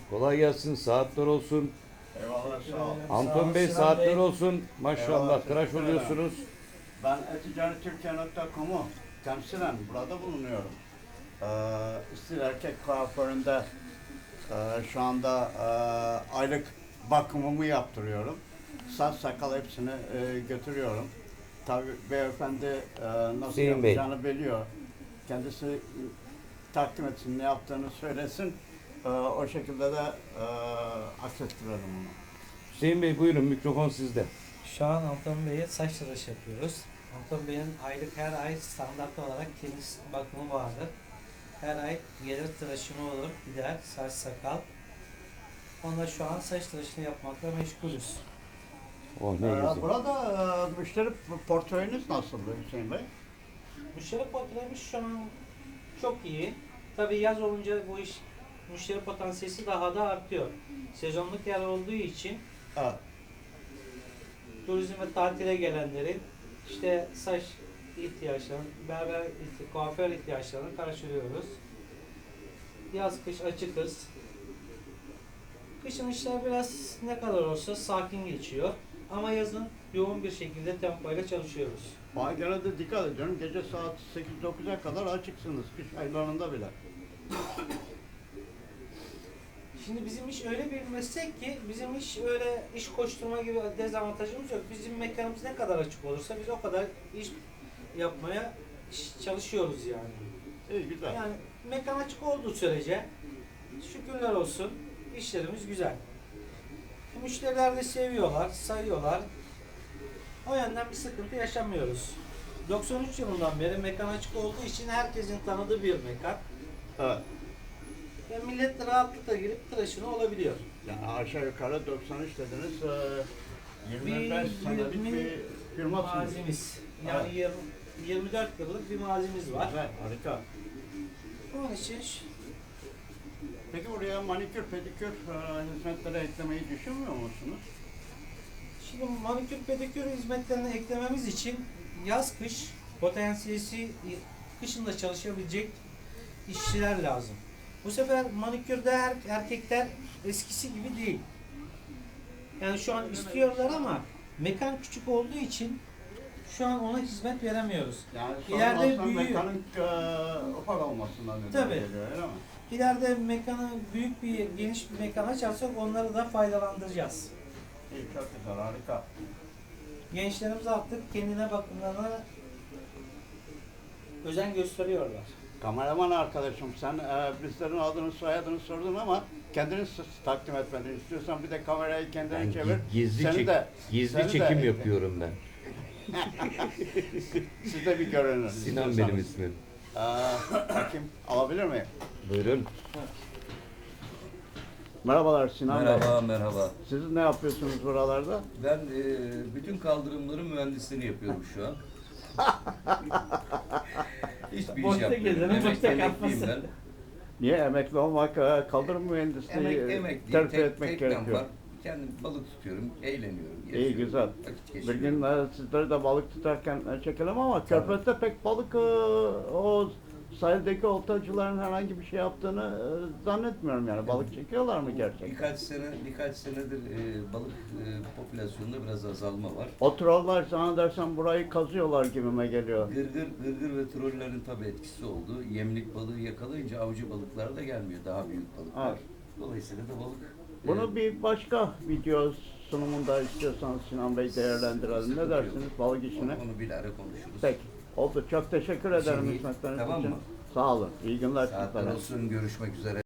Kolay gelsin, saatler olsun. Eyvallah, sağ ol. Anton Bey Sinan saatler Bey. olsun. Maşallah Eyvallah, tıraş teşekkür ederim. oluyorsunuz. Ben eticarettürkiye.com'u temsilen burada bulunuyorum. İstil Erkek Kuaförü'nde şu anda aylık bakımımı yaptırıyorum. Saç sakal hepsini götürüyorum. Tabii beyefendi nasıl Hüseyin Bey. yapacağını biliyor. Kendisi takdim etsin, ne yaptığını söylesin. O şekilde de aksettiriyorum onu. Hüseyin Bey buyurun, mikrofon sizde. Şu an Anton Bey'e saç tıraşı yapıyoruz. Anton Bey'in aylık her ay standart olarak temiz bakımı vardır. Her ay gelir tıraşını olur, gider, saç sakal. Onunla şu an saç tıraşını yapmakla meşgulüz. Oh ne güzel. Burada müşteri portföyünüz nasıl Hüseyin Bey? Müşteri portföyümüz şu an çok iyi. Tabii yaz olunca bu iş müşteri potansiyeli daha da artıyor. Sezonluk yer olduğu için Evet. turizm ve tatile gelenlerin işte saç ihtiyaçlarını, kuaför ihtiyaçlarını karşılıyoruz. Yaz kış açıkız. Kışın işler biraz ne kadar olsa sakin geçiyor. Ama yazın yoğun bir şekilde tempoyla çalışıyoruz. Bana göre de dikkat ediyorum. Gece saat 8-9'a kadar açıksınız. Kış aylarında bile. Şimdi bizim iş öyle bir meslek ki bizim iş öyle iş koşturma gibi dezavantajımız yok. Bizim mekanımız ne kadar açık olursa biz o kadar iş yapmaya çalışıyoruz yani. İyi, güzel. Yani mekan açık olduğu sürece şükürler olsun işlerimiz güzel. Müşteriler de seviyorlar, sayıyorlar. O yönden bir sıkıntı yaşamıyoruz. 93 yılından beri mekan açık olduğu için herkesin tanıdığı bir mekan. Evet. Ve millet de rahatlıkla girip tıraşını olabiliyor. Yani aşağı yukarı 93 dediniz. 25 Bir senelik 20 bir firmasınız. mazimiz. Yani 24 yıllık bir mazimiz var. Güzel, harika. Onun için Peki buraya manikür, pedikür hizmetleri eklemeyi düşünmüyor musunuz? şimdi manikür pedikür hizmetlerini eklememiz için yaz kış potansiyeli kışın da çalışabilecek işçiler lazım. Bu sefer manikürde erkekler eskisi gibi değil. Yani şu an istiyorlar ama mekan küçük olduğu için şu an ona hizmet veremiyoruz. Yani İleride sorun aslında büyüyor. mekanın ufak olmasından neden Tabii. geliyor, öyle mi? İleride mekanı büyük bir geniş bir mekan açarsak onları da faydalandıracağız. İyi, çok güzel, harika. Gençlerimiz artık kendine bakımlarına özen gösteriyorlar. Kameraman arkadaşım, sen bizlerin adını soyadını sordun ama kendini takdim etmeni istiyorsan bir de kamerayı kendine Ben çevir. gizli, Seni de- gizli seni de çekim ekle. yapıyorum ben. Siz de bir görünün. Sinan istiyorsanız. benim ismim. Bakayım, alabilir miyim? Buyurun. Merhabalar Sinan Bey. Merhaba, merhaba. Siz ne yapıyorsunuz buralarda? Ben bütün kaldırımların mühendisliğini yapıyorum şu an. Hiçbir iş Boşta yapmıyorum. gezenin boşta Emekliyim kalmasın. ben. Niye emekli olmak, kaldırım mühendisliği Emekliyim, terfi etmek teknem gerekiyor? var. Kendim balık tutuyorum, eğleniyorum. İyi, geziyorum, güzel. vakit Bir geçiriyorum. gün sizleri de balık tutarken çekelim ama Körfez'de pek balık o sahildeki oltacıların herhangi bir şey yaptığını zannetmiyorum yani. Balık çekiyorlar mı gerçekten? Birkaç senedir balık popülasyonunda biraz azalma var. O trollar sana dersen burayı kazıyorlar gibime geliyor. Gırgır ve trollerin tabii etkisi oldu. Yemlik balığı yakalayınca avcı balıklar da gelmiyor. Daha büyük balıklar. Evet. Dolayısıyla da balık Bunu bir başka video sunumunda istiyorsanız Sinan Bey değerlendirelim. Sıkıntı Ne dersiniz yok. balık işine? onu bilahare konuşuruz. Peki. Oldu. Çok teşekkür ederim Şey, hizmetleriniz tamam için. mı? Sağ olun. İyi günler Saatler sizlere. olsun. Görüşmek üzere.